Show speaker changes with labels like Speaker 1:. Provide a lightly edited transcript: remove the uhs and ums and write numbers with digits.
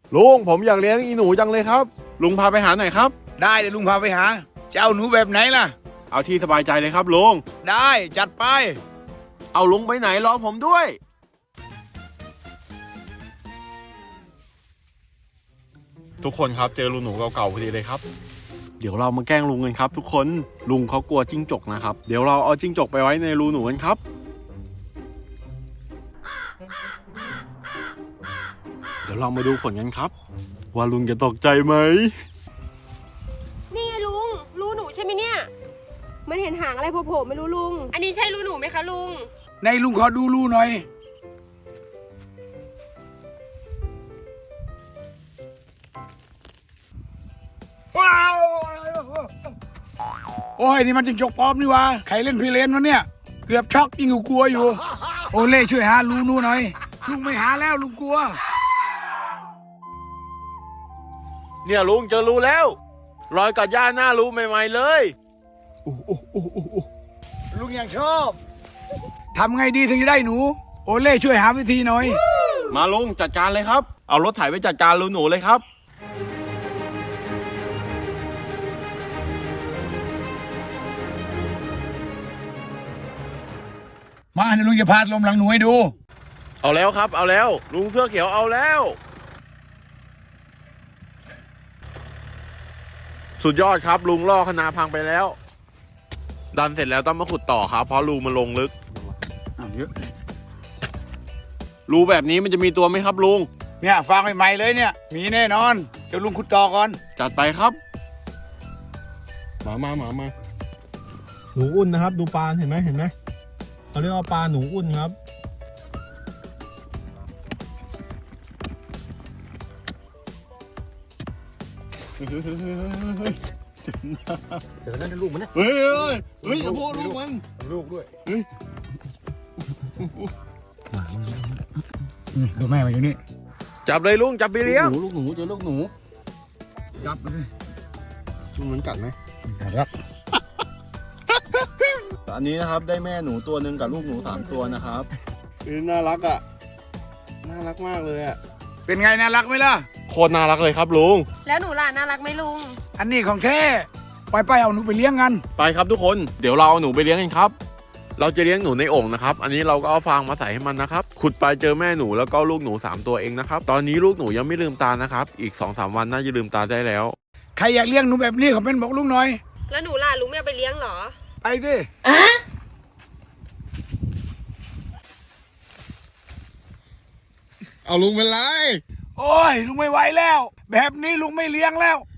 Speaker 1: ลุงผมอยากเลี้ยงอีหนูจังเลยครับลุงพาไปหาหน่อยครับ
Speaker 2: ได้เดี๋ยวลุงพาไปหาจะเอาหนูแบบไหนล่ะ
Speaker 1: เอาที่สบายใจเลยครับลุง
Speaker 2: ได้จัดไป
Speaker 1: เอาลุงไปไหนรอผมด้วยทุกคนครับเจอลุงหนูเก่าๆพอดีเลยครับเดี๋ยวเรามาแกล้งลุงกันครับทุกคนลุงเขากลัวจิ้งจกนะครับเดี๋ยวเราเอาจิ้งจกไปไว้ในรูหนูกันครับเดี๋ยวเรามาดูผลกันครับว่าลุงจะตกใจไหม
Speaker 3: นี่ไงลุงรูหนูใช่ไหมเนี่ยมันเห็นหางอะไรโผล่ๆไม่รู้ลุงอันนี้ใช่รูหนูไหมคะลุง
Speaker 2: ในลุงขอดูรูหน่อยว้าวโอ้ยนี่มันจิ้งจกปลอมนี่วะใครเล่นพี่เลนวะเนี่ยเกือบช็อกยิ่งกลัวอยู่โอเล่ช่วยหารูหน่อยลุงไม่หาแล้วลุงกลัว
Speaker 1: เนี่ยลุงเจอรูแล้วรอยกัดหญ้าหน้ารูใหม่ๆเลย
Speaker 2: ลุงยังชอบทำไงดีถึงจะได้หนูโอเล่ช่วยหาวิธีหน่อย
Speaker 1: มาลุงจัดการเลยครับเอารถไถไปจัดการรูหนูเลยครับ
Speaker 2: มาเดี๋ยวลุงจะพาลมหลังหนูให้ดู
Speaker 1: เอาแล้วครับเอาแล้วลุงเสื้อเขียวเอาแล้วสุดยอดครับลุงล่อคณะพังไปแล้วดันเสร็จแล้วต้องมาขุดต่อครับเพราะรูมันลงลึก
Speaker 2: เยอะ
Speaker 1: รูแบบนี้มันจะมีตัวไหมครับลุง
Speaker 2: เนี่ยฟางใหม่ๆเลยเนี่ยมีแน่นอนเดี๋ยวลุงขุดต่อก่อน
Speaker 1: จัดไปครับมาหนูอุ่นนะครับดูปลาเห็นไหมเขาเรียกว่าปลาหนูอุ่นครับ
Speaker 2: เสือนั่นลูกมันเนี่ย
Speaker 1: เฮ้ยอย่าโบลูกมัน
Speaker 2: ลูกด้วยนี่ตัวแม่มาอยู่นี่
Speaker 1: จับเลยลุงจับไปเลี้ยง
Speaker 2: ลูกหนูเจอลูกหนูจับเลย
Speaker 1: ลุงมันกัดไหม
Speaker 2: กัดแล้ว
Speaker 1: อันนี้นะครับได้แม่หนูตัวหนึ่งกับลูกหนู3ตัวนะครับน่ารักอ่ะน่ารักมากเลยอ่ะ
Speaker 2: เป็นไงน่ารักไหมล่ะ
Speaker 1: โคตรน่ารักเลยครับลุง
Speaker 3: แล้วหนูล่ะน่ารักไหมลุง
Speaker 2: อันนี้ของแท้ไปเอาหนูไปเลี้ยงกัน
Speaker 1: ไปครับทุกคนเดี๋ยวเราเอาหนูไปเลี้ยงกันครับเราจะเลี้ยงหนูในโอ่งนะครับอันนี้เราก็เอาฟางมาใส่ให้มันนะครับขุดไปเจอแม่หนูแล้วก็ลูกหนู3ตัวเองนะครับตอนนี้ลูกหนูยังไม่ลืมตานะครับอีก 2-3 วันน่าจะลืมตาได้แล้ว
Speaker 2: ใครอยากเลี้ยงหนูแบบนี้ขอเป็นบอกลุงหน่อย
Speaker 3: แล้วหนูล่ะลุงไม่เอาไปเลี้ยงหรอ
Speaker 2: ไปสิ
Speaker 1: เอาลุงเป็นไร
Speaker 2: โอ้ยลุงไม่ไหวแล้วแบบนี้ลุงไม่เลี้ยงแล้ว